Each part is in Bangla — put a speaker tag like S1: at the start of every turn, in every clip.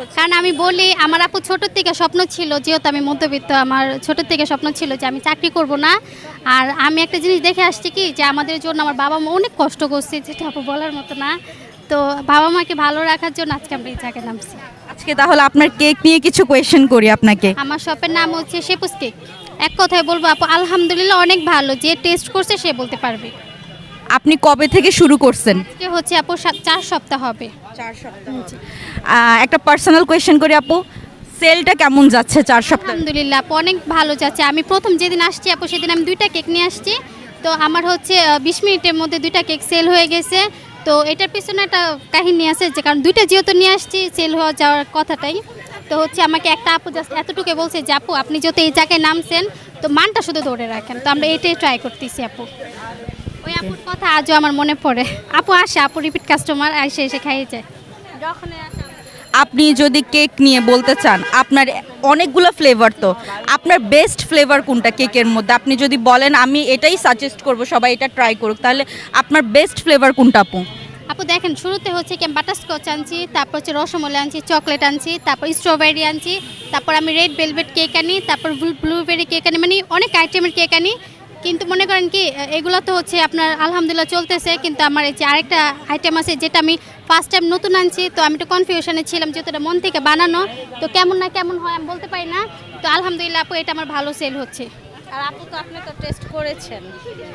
S1: হচ্ছে?
S2: কারণ আমি বলি আমার আপু ছোট থেকে স্বপ্ন ছিল, যেহেতু আমি মধ্যবিত্ত, আমার ছোট থেকে স্বপ্ন ছিল যে আমি চাকরি করব না। আর আমি একটা জিনিস দেখে আসছি কি, যে আমাদের জন্য আমার বাবা মা অনেক কষ্ট করছে, যেটা আপু বলার মতো না। তো বাবা মাকে ভালো রাখার জন্য আজকে আমরা এই জায়গায় নামছি।
S1: আজকে তাহলে আপনার কেক নিয়ে কিছু কোয়েশ্চেন করি আপনাকে।
S2: আমার শপের নাম হচ্ছে শেপুস কেক। এক কথায় বলবো আপু, আলহামদুলিল্লাহ অনেক ভালো, যে টেস্ট করছে সে বলতে পারবে।
S1: আপনি কবে থেকে শুরু করছেন?
S2: আজকে হচ্ছে আপু 4 সপ্তাহ হবে।
S1: 4 সপ্তাহ। একটা পার্সোনাল কোয়েশ্চেন করি আপু, সেলটা কেমন যাচ্ছে 4 সপ্তাহ?
S2: আলহামদুলিল্লাহ আপু অনেক ভালো যাচ্ছে। আমি প্রথম যেদিন আসছি আপু, সেদিন আমি 2টা কেক নিয়ে আসছি। তো আমার হচ্ছে 20 মিনিটের মধ্যে 2টা কেক সেল হয়ে গেছে। তো এটার পিছনে একটা কাহিনী আছে, যে কারণ 2টা যেহেতু নিয়ে আসছি, সেল হওয়া যাওয়ার কথাটাই। তো হচ্ছে আমাকে একটা আপু জাস্ট এতটুকু বলছে যে আপু আপনি যেহেতু এই জায়গায় নামছেন, তো মানটা শুধু ধরে রাখেন। তো আমরা এটাই ট্রাই করতেছি আপু। ওই আপুর কথা আজও আমার মনে পড়ে। আপু আসে, আপু রিপিট কাস্টমার, এসে খাইয়ে যায় যখনই আসে।
S1: আপনি যদি কেক নিয়ে বলতে চান, আপনার অনেকগুলো ফ্লেভার, তো আপনার বেস্ট ফ্লেভার কোনটা কেকের মধ্যে? আপনি যদি বলেন আমি এটাই সাজেস্ট করব সবাই এটা ট্রাই করুক, তাহলে আপনার বেস্ট ফ্লেভার কোনটা আপু?
S2: আপু দেখেন, শুরুতে হচ্ছে কি বাটারস্কচ আনছি, তারপর হচ্ছে রসমলাই আনছি, চকলেট আনছি, তারপর স্ট্রবেরি আনছি, তারপর আমি রেড ভেলভেট কেক আনি, তারপর ব্লুবেরি কেক আনি, মানে অনেক আইটেমের কেক আনি। কিন্তু মনে করেন কি, এগুলো তো হচ্ছে আপনার আলহামদুলিল্লাহ চলতেছে, কিন্তু আমার এই যে আরেকটা আইটেম আছে যেটা আমি ফার্স্ট টাইম নতুন আনছি, তো আমি একটু কনফিউশনে ছিলাম, যেহেতু এটা মন থেকে বানানো, তো কেমন না কেমন হয় আমি বলতে পারি না। তো আলহামদুলিল্লাহ আপু এটা আমার ভালো সেল হচ্ছে।
S3: আর আপু তো আপনি তো টেস্ট করেছেন।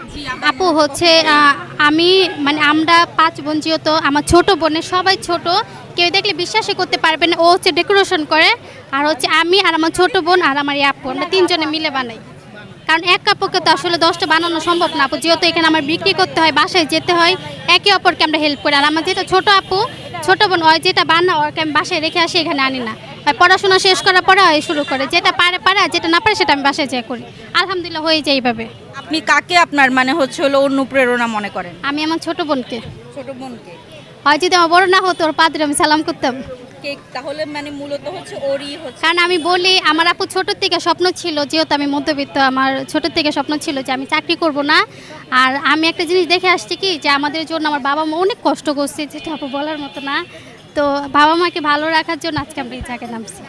S2: আপু হচ্ছে আমি মানে আমরা 5 বোন, যেহেতু আমার ছোট বোনের সবাই ছোট, কেউ দেখলে বিশ্বাসই করতে পারবে না। ও হচ্ছে ডেকোরেশন করে, আর হচ্ছে আমি আর আমার ছোট বোন আর আমার এই আপু, আমরা 3 জনে মিলে বানাই। কারণ এক আপুকে তো আসলে 10টা বানানো সম্ভব না আপু, যেহেতু এখানে আমার বিক্রি করতে হয়, বাসায় যেতে হয়, একে অপরকে আমরা হেল্প করি। আর আমার যেটা ছোট আপু, ছোট বোন, ওই যেটা বানা ওকে আমি বাসায় রেখে আসি, এখানে আনি না। আর পড়াশোনা শেষ করার পরে ওই শুরু করে, যেটা পারে পারে, আর যেটা না পারে সেটা আমি বাসায় যেয়ে করি। আলহামদুলিল্লাহ হয়ে যায় এইভাবে।
S1: আপনি কাকে আপনার মানে হচ্ছে হলো অনুপ্রেরণা মনে করেন?
S2: আমি আমার ছোট বোনকে,
S1: ছোট বোনকে।
S2: হয় যদি আমার বড় না হতো, ওর পাদরে আমি সালাম করতাম।
S1: কেক তাহলে মানে মূলত হচ্ছে ওরই হচ্ছে।
S2: কারণ আমি বলি আমার আপু ছোট থেকে স্বপ্ন ছিল, যেহেতু আমি মধ্যবিত্ত, আমার ছোট থেকে স্বপ্ন ছিল যে আমি চাকরি করব না। আর আমি একটা জিনিস দেখে আসছি কি, যে আমাদের জন্য আমার বাবা মা অনেক কষ্ট করছে, যেটা আপু বলার মতো না। তো বাবা মাকে ভালো রাখার জন্য আজকে আমরা এই জায়গায় নামছি।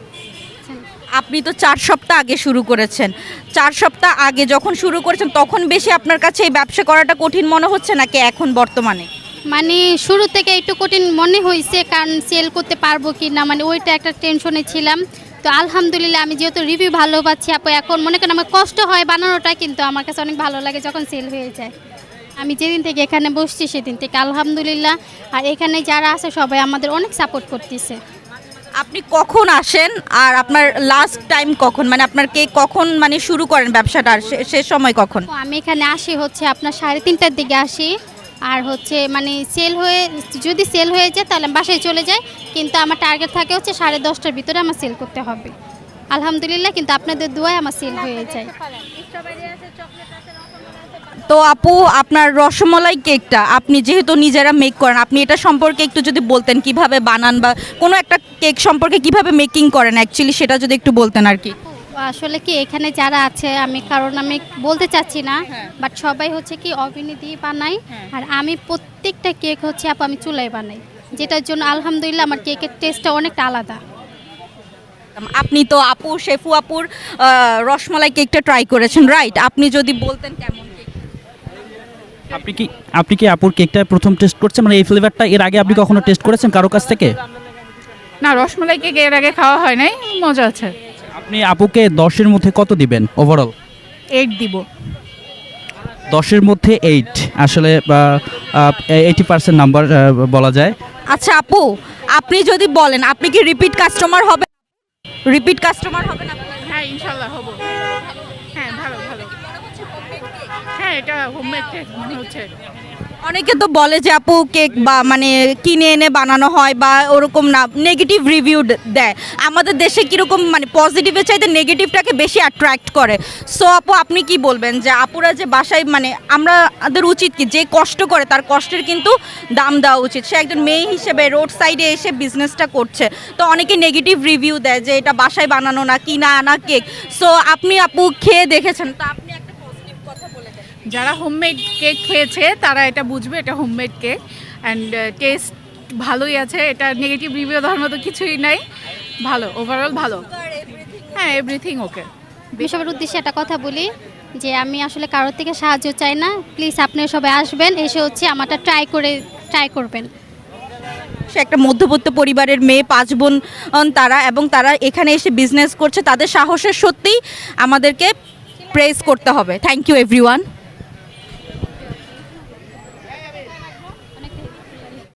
S1: আপনি তো 4 সপ্তাহ আগে শুরু করেছেন, 4 সপ্তাহ আগে যখন শুরু করেছেন তখন বেশি আপনার কাছে এই ব্যবসা করাটা কঠিন মনে হচ্ছে নাকি এখন বর্তমানে?
S2: মানে শুরু থেকে একটু কঠিন মনে হয়েছে, কারণ সেল করতে পারবো কি না, মানে ওইটা একটা টেনশনে ছিলাম। তো আলহামদুলিল্লাহ আমি যেহেতু রিভিউ ভালো পাচ্ছি আপু, এখন মনে করেন আমার কষ্ট হয় বানানোটা, কিন্তু আমার কাছে অনেক ভালো লাগে যখন সেল হয়ে যায়। আমি যেদিন থেকে এখানে বসছি সেদিন থেকে আলহামদুলিল্লাহ। আর এখানে যারা আছে সবাই আমাদের অনেক সাপোর্ট করতেছে।
S1: আপনি কখন আসেন আর আপনার লাস্ট টাইম কখন, মানে আপনার কেক কখন মানে শুরু করেন ব্যবসাটা, আর শেষ সময় কখন?
S2: তো আমি এখানে আসি হচ্ছে আপনার 3:30টার দিকে আসি। আর হচ্ছে মানে যদি সেল হয়ে যায় তাহলে আমি বাসায় চলে যাই, কিন্তু আমার টার্গেট থাকে হচ্ছে 10:30টার ভিতরে আমার সেল করতে হবে। আলহামদুলিল্লাহ কিন্তু আপনাদের দোয়ায় আমার সেল হয়ে যায়।
S1: তো আপু আপনার রসমলাই কেকটা আপনি যেহেতু নিজেরা মেক করেন, আপনি এটা সম্পর্কে একটু যদি বলতেন কিভাবে বানান, বা কোনো একটা কেক সম্পর্কে কিভাবে মেকিং করেন অ্যাকচুয়ালি, সেটা যদি একটু বলতেন আর কি।
S2: আসলে কি এখানে যারা আছে, আমি কারণ আমি বলতে চাচ্ছি না, বাট সবাই হচ্ছে কি ওভেনে দিয়ে বানাই। আর আমি প্রত্যেকটা কেক হচ্ছে আপু আমি চুলায় বানাই, যেটার জন্য আলহামদুলিল্লাহ আমার কেকের টেস্টটা অনেকটা আলাদা।
S1: আপনি তো আপু শেফু আপুর রসমলাই কেকটা ট্রাই করেছেন, রাইট? আপনি যদি বলতেন কেমন কেক?
S4: আপনি কি আপুর কেকটা প্রথম টেস্ট করছেন, মানে এই ফ্লেভারটা এর আগে আপনি কখনো টেস্ট করেছেন কারো কাছ থেকে?
S5: না, রসমালাই কেক এর আগে খাওয়া হয় নাই, মজা আছে।
S4: আপনি আপুকে 10-এর মধ্যে কত দিবেন ওভারঅল?
S5: 8 দিব।
S4: 10-এর মধ্যে 8 আসলে 80% নাম্বার বলা যায়।
S1: আচ্ছা আপু, আপনি যদি বলেন আপনি কি রিপিট কাস্টমার হবেন? রিপিট কাস্টমার হবেন আপনি?
S5: হ্যাঁ, ইনশাল্লাহ হবো। হ্যাঁ, ভালো ভালো। হ্যাঁ, এটা হোমমেড কেক মনে হচ্ছে।
S1: অনেকে তো বলে যে আপু কেক বা মানে কিনে এনে বানানো হয় বা ওরকম না, নেগেটিভ রিভিউ দেয়। আমাদের দেশে কীরকম মানে পজিটিভের চাইতে নেগেটিভটাকে বেশি অ্যাট্রাক্ট করে। সো আপু আপনি কি বলবেন যে আপুরা যে বাসায় মানে আমাদের উচিত কি, যে কষ্ট করে তার কষ্টের কিন্তু দাম দেওয়া উচিত। সে একজন মেয়ে হিসেবে রোড সাইডে এসে বিজনেসটা করছে, তো অনেকে নেগেটিভ রিভিউ দেয় যে এটা বাসায় বানানো না, কিনা আনা কেক। সো আপনি আপু খেয়ে দেখেছেন, তো আপনি একটা পজিটিভ কথা বলে দেন।
S5: যারা হোমমেড কেক খেয়েছে তারা এটা বুঝবে, এটা হোমমেড কেক অ্যান্ড টেস্ট ভালোই আছে, এটা নেগেটিভ রিভিউ দেওয়ার মতো কিছুই নাই, ভালো, ওভারঅল ভালো। হ্যাঁ, এভরিথিং ওকে।
S2: আমি সবার উদ্দেশ্যে একটা কথা বলি যে আমি আসলে কারোর থেকে সাহায্য চাই না, প্লিজ আপনারা সবাই আসবেন, এসে হচ্ছে আমারটা ট্রাই করবেন।
S1: সে একটা মধ্যবিত্ত পরিবারের মেয়ে, 5 বোন তারা, এবং তারা এখানে এসে বিজনেস করছে, তাদের সাহসের সত্যিই আমাদেরকে প্রেজ করতে হবে। Thank you everyone.